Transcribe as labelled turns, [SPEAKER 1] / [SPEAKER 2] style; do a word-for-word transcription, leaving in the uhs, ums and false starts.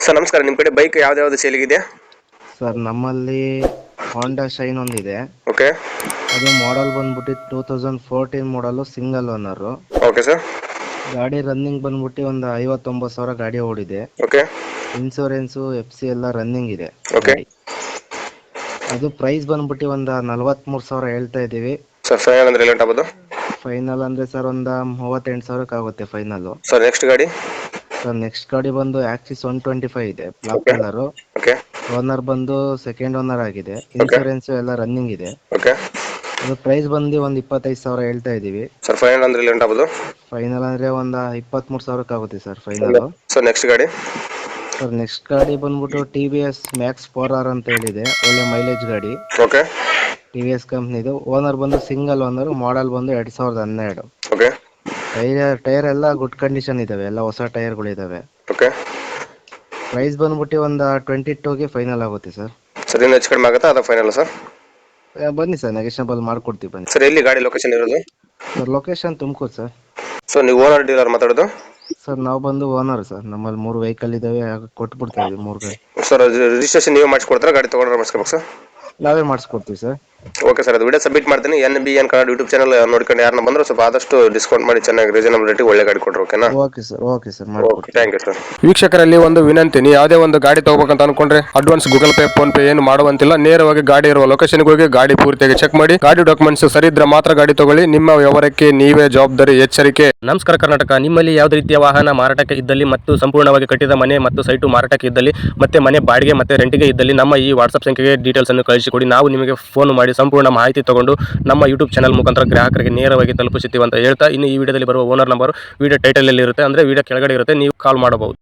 [SPEAKER 1] Sir ನಮಸ್ಕಾರ, ನಿಮ್ಮ ಕಡೆ ಬೈಕ್ ಯಾವ್ದು ಯಾವ್ದು ಸೇಲಿಗಿದೆ?
[SPEAKER 2] ಸರ್ ನಮ್ಮಲ್ಲಿ ಹೋಂಡಾ ಶೈನ್ ಒಂದಿದೆ.
[SPEAKER 1] ಓಕೆ.
[SPEAKER 2] ಅದು ಮಾಡೆಲ್ ಬಂದ್ಬಿಟ್ಟು ಟೂ ತೌಸಂಡ್ ಫೋರ್ಟೀನ್ ಮಾಡಲು ಸಿಂಗಲ್ ಓನರು.
[SPEAKER 1] Okay sir.
[SPEAKER 2] ಗಾಡಿ ರನ್ನಿಂಗ್ ಬಂದ್ಬಿಟ್ಟು ಒಂದು ಐವತ್ತೊಂಬತ್ತು ಸಾವಿರ ಗಾಡಿ ಓಡಿದೆ.
[SPEAKER 1] ಓಕೆ.
[SPEAKER 2] ಇನ್ಸೂರೆನ್ಸು ಎಫ್ ಸಿ ಎಲ್ಲ ರನ್ನಿಂಗ್ ಇದೆ.
[SPEAKER 1] ಓಕೆ.
[SPEAKER 2] ಗಾಡಿ ಅದು ಪ್ರೈಸ್ ಬಂದ್ಬಿಟ್ಟು ಒಂದು ನಲ್ವತ್ಮೂರು ಸಾವಿರ ಹೇಳ್ತಾ ಇದ್ದೀವಿ.
[SPEAKER 1] ಸರ್ ಫೈನಲ್ ಅಂದ್ರೆ ಲೇಟ್ ಆಗ್ಬೋದು?
[SPEAKER 2] ಫೈನಲ್ ಅಂದರೆ ಸರ್ ಒಂದು ಮೂವತ್ತೆಂಟು ಸಾವಿರಕ್ಕೆ ಆಗುತ್ತೆ ಫೈನಲ್ಲು.
[SPEAKER 1] ಸರ್ ನೆಕ್ಸ್ಟ್ ಗಾಡಿ?
[SPEAKER 2] ಸರ್ ನೆಕ್ಸ್ಟ್ ಗಾಡಿ ಬಂದು ಆಕ್ಸಿಸ್ ಒನ್ ಟ್ವೆಂಟಿ ಫೈವ್ ಇದೆ, block
[SPEAKER 1] Okay.
[SPEAKER 2] Colour.
[SPEAKER 1] Okay.
[SPEAKER 2] Owner ಬಂದು ಸೆಕೆಂಡ್ ಓನರ್ ಆಗಿದೆ. ಇನ್ಸೂರೆನ್ಸ್ ಎಲ್ಲ ರನ್ನಿಂಗ್ ಇದೆ.
[SPEAKER 1] ಓಕೆ.
[SPEAKER 2] ಅದು ಪ್ರೈಸ್ ಬಂದು ಒಂದು ಇಪ್ಪತ್ತೈದು ಸಾವಿರ ಹೇಳ್ತಾ ಇದ್ದೀವಿ.
[SPEAKER 1] ಸರ್ ಫೈನಲ್ ಅಂದ್ರೆ ಲೇಟ್ ಆಗ್ಬೋದು?
[SPEAKER 2] ಫೈನಲ್ ಅಂದರೆ ಒಂದು ಇಪ್ಪತ್ತ್ಮೂರು ಸಾವಿರಕ್ಕೆ ಆಗುತ್ತೆ ಸರ್ ಫೈನಲ್.
[SPEAKER 1] ಸರ್ ನೆಕ್ಸ್ಟ್ ಗಾಡಿ?
[SPEAKER 2] ಸರ್ ನೆಕ್ಸ್ಟ್ ಗಾಡಿ ಬಂದ್ಬಿಟ್ಟು T V S Max four R ಅಂತ ಹೇಳಿದೆ, ಒಳ್ಳೆ ಮೈಲೇಜ್ ಗಾಡಿ.
[SPEAKER 1] ಓಕೆ.
[SPEAKER 2] ಟಿ ವಿ ಎಸ್ ಕಂಪ್ನಿದು. ಓನರ್ ಬಂದು ಸಿಂಗಲ್ ಓನರ್, ಮಾಡೆಲ್ ಬಂದು ಎರಡು ಸಾವಿರದ ಹನ್ನೆರಡು.
[SPEAKER 1] ಓಕೆ.
[SPEAKER 2] ಟೈರ್ ಟೈರ್ ಎಲ್ಲ ಗುಡ್ ಕಂಡೀಷನ್ ಇದಾವೆ, ಎಲ್ಲ ಹೊಸ ಟೈರ್ಗಳಿದ್ದಾವೆ.
[SPEAKER 1] ಓಕೆ.
[SPEAKER 2] ಪ್ರೈಸ್ ಬಂದ್ಬಿಟ್ಟು ಒಂದು ಟ್ವೆಂಟಿ ಟೂಗೆ ಫೈನಲ್ ಆಗುತ್ತೆ ಸರ್.
[SPEAKER 1] ಸರ್ ಇನ್ನು ಹೆಚ್ಚು ಕಡಿಮೆ ಆಗುತ್ತಾ ಅದು ಫೈನಲ್ ಸರ್?
[SPEAKER 2] ಆ, ಬನ್ನಿ ಸರ್, ನೆಗೆಷನಬಲ್ ಮಾಡ್ಕೊಡ್ತೀವಿ ಬನ್ನಿ.
[SPEAKER 1] ಸರ್ ಎಲ್ಲಿ ಗಾಡಿ ಲೊಕೇಶನ್ ಇರೋದು?
[SPEAKER 2] Sir location Tumakuru sir.
[SPEAKER 1] So ನೀವು ಓನರ್ ಡೀಲರ್ ಮಾತಾಡೋದು?
[SPEAKER 2] ಸರ್ ನಾವು ಬಂದು ಓನರ್ ಸರ್, ನಮ್ಮಲ್ಲಿ ಮೂರು ವೆಹಿಕಲ್ ಇದಾವೆ, ಕೊಟ್ಬಿಡ್ತಾ ಇದ್ದೀವಿ ಮೂರು ಗಾಡಿ.
[SPEAKER 1] ಸರ್ ರಿಜಿಸ್ಟ್ರೇಷನ್ ನೀವು ಮಾಡಿಸ್ಕೊಡ್ತಾರಾ, ಗಾಡಿ ತೊಗೊಂಡ್ರೆ ಮಾಡಿಸ್ಕೋಬೇಕು ಸರ್?
[SPEAKER 2] ನಾವೇ ಮಾಡಿಸ್ಕೊಡ್ತೀವಿ ಸರ್.
[SPEAKER 1] ಓಕೆ ಸರ್, ಅದು ವಿಡಿಯೋ ಸಬ್ಮಿಟ್ ಮಾಡ್ತೀನಿ. N B N Kannada YouTube channel ನೋಡ್ಕೊಂಡು ಯಾರನ್ನ ಬಂದ್ರೆ ಸ್ವಲ್ಪ ಆದಷ್ಟು ಡಿಸ್ಕೌಂಟ್ ಮಾಡಿ ಚೆನ್ನಾಗಿ ರೀಸನಬಲ್ ರೇಟಿಗೆ ಒಳ್ಳೆ ಗಾಡಿ ಕೊಡ್ರಿ. ಓಕೆನಾ?
[SPEAKER 2] Okay sir, okay sir,
[SPEAKER 1] okay,
[SPEAKER 2] ಮಾಡ್ಕೊಡ್ತೀವಿ.
[SPEAKER 1] Thank you sir.
[SPEAKER 3] ವೀಕ್ಷಕರಲ್ಲಿ ಒಂದು ವಿನಂತಿ, ನೀವು ಯಾವುದೇ ಒಂದು ಗಾಡಿ ತಗೋಬೇಕಂತ ಅನ್ಕೊಂಡ್ರೆ advance Google Pay PhonePe ಏನು ಮಾಡುವಂತಿಲ್ಲ. ನೇರವಾಗಿ ಗಾಡಿ ಇರುವ ಲೊಕೇಶನ್ಗೆ ಹೋಗಿ ಗಾಡಿ ಪೂರ್ತಿಯಾಗಿ ಚೆಕ್ ಮಾಡಿ, ಗಾಡಿ ಡಾಕ್ಯುಮೆಂಟ್ಸ್ ಸರಿ ಇದ್ರೆ ಮಾತ್ರ ಗಾಡಿ ತಗೊಳ್ಳಿ. ನಿಮ್ಮ ವ್ಯವಹಾರಕ್ಕೆ ನೀವೇ ಜವಾಬ್ದಾರಿ. ಎಚ್ಚರಿಕೆ.
[SPEAKER 4] ನಮಸ್ಕಾರ ಕರ್ನಾಟಕ. ನಿಮ್ಮಲ್ಲಿ ಯಾವುದೇ ರೀತಿಯ ವಾಹನ ಮಾರಾಟಕ್ಕೆ ಇದ್ದಲ್ಲಿ ಮತ್ತು ಸಂಪೂರ್ಣವಾಗಿ ಕಟ್ಟಿದ ಮನೆ ಮತ್ತು ಸೈಟು ಮಾರಾಟಕ್ಕೆ ಇದ್ದಲ್ಲಿ ಮತ್ತೆ ಮನೆ ಬಾಡಿಗೆ ಮತ್ತು ರೆಂಟಿಗೆ ಇದ್ದಲ್ಲಿ ನಮ್ಮ ಈ ವಾಟ್ಸ್ಆಪ್ ಸಂಖ್ಯೆಗೆ ಡೀಟೇಲ್ಸ್ ಅನ್ನು ಕಳಿಸಿಕೊಡಿ. ನಾವು ನಿಮಗೆ ಫೋನ್ ಮಾಡಿ ಸಂಪೂರ್ಣ ಮಾಹಿತಿ ತಗೊಂಡು ನಮ್ಮ ಯೂಟ್ಯೂಬ್ ಚಾನಲ್ ಮುಖಾಂತರ ಗ್ರಾಹಕರಿಗೆ ನೇರವಾಗಿ ತಲುಪಿಸುತ್ತೀವಿ ಅಂತ ಹೇಳ್ತಾ, ಇನ್ನು ಈ ವಿಡಿಯೋದಲ್ಲಿ ಬರುವ ಓನರ್ ನಂಬರ್ ವಿಡಿಯೋ ಟೈಟಲ್ ಅಲ್ಲಿ ಇರುತ್ತೆ, ಅಂದ್ರೆ ವಿಡಿಯೋ ಕೆಳಗಡೆ ಇರುತ್ತೆ, ನೀವು ಕಾಲ್ ಮಾಡಬಹುದು.